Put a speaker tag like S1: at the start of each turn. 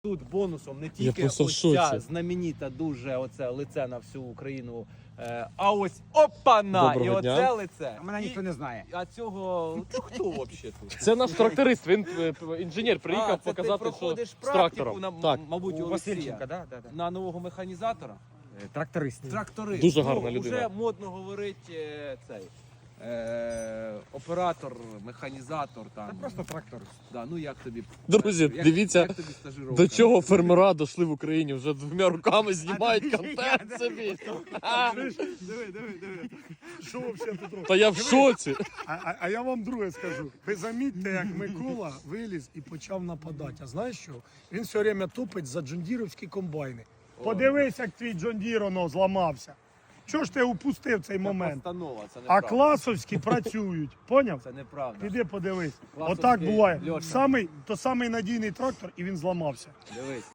S1: Тут бонусом не
S2: Я
S1: тільки
S2: просто в
S1: ось
S2: шоці.
S1: ця знаменита дуже оце лице на всю Україну, а ось опана!
S2: Доброго
S1: І
S2: дня.
S1: оце лице.
S3: А мене ніхто не знає.
S1: А цього, ну хто взагалі тут?
S2: Це наш тракторист, він інженер приїхав
S1: це
S2: показати,
S1: ти
S2: що
S1: проходиш
S2: з
S1: практику,
S2: трактором.
S1: на,
S2: Так,
S1: мабуть, у
S3: Васильченка,
S1: Олексія.
S3: да?
S1: На нового механізатора?
S3: Тракторист.
S1: Тракторист.
S2: Дуже гарна людина.
S1: Вже модно говорить цей оператор, механізатор там.
S3: Це просто тракторист.
S1: Да, ну як тобі?
S2: Друзі,
S1: як,
S2: дивіться,
S1: як тобі стажировка?
S2: до чого фермера дійшли в Україні. Вже двома руками знімають контент собі.
S4: Диви. Що взагалі тут робить?
S2: Та я в шоці.
S4: А я вам друге скажу. Ви замітьте, як Микола виліз і почав нападати. А знаєш що? Він все время топить за джондіровські комбайни. Подивись, як твій джондір воно зламався. Чого ж ти упустив цей
S1: Це
S4: момент?
S1: постанова, це
S4: А
S1: неправда.
S4: класовські працюють. Поняв?
S1: Це неправда.
S4: Піди подивись.
S1: Класовський,
S4: Отак буває.
S1: Льоша.
S4: Самий надійний трактор, і він зламався.
S1: Дивись.